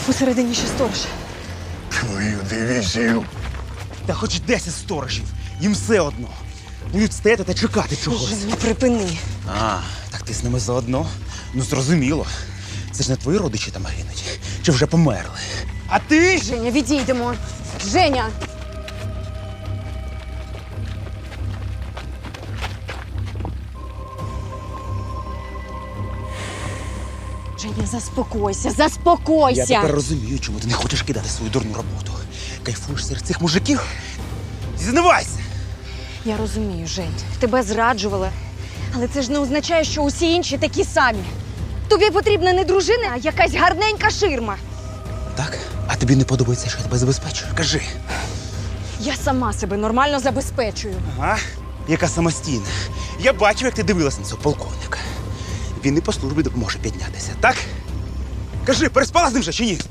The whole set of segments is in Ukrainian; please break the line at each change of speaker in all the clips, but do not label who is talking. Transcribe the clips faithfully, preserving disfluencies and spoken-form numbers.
Посередині ще сторож.
Твою дивізію.
Та хоч десять сторожів, їм все одно. Будуть стояти та чекати чогось.
Женя, припини.
А, так ти з ними заодно? Ну, зрозуміло. Це ж не твої родичі там гинуть, чи вже померли. А ти?
Женя, відійдемо. Женя! Женя, заспокойся, заспокойся!
Я тепер розумію, чому ти не хочеш кидати свою дурну роботу. Кайфуєш серед цих мужиків? Зізнавайся!
Я розумію, Жень, тебе зраджували. Але це ж не означає, що усі інші такі самі. Тобі потрібна не дружина, а якась гарненька ширма.
Так? А тобі не подобається, що я тебе забезпечую? Кажи.
Я сама себе нормально забезпечую.
Ага, яка самостійна. Я бачив, як ти дивилась на цього полковника. Він і по службі допоможе піднятися, так? Кажи, переспала з ним вже чи ні?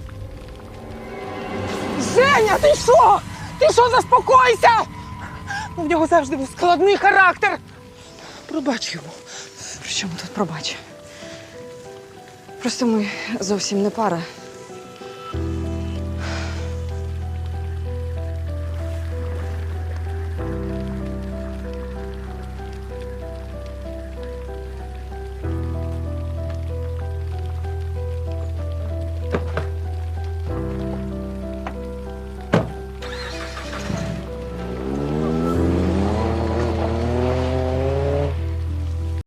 Женя, ти що? Ти що, заспокойся? У нього завжди був складний характер. Пробач йому.
При чому тут пробач? Просто ми зовсім не пара.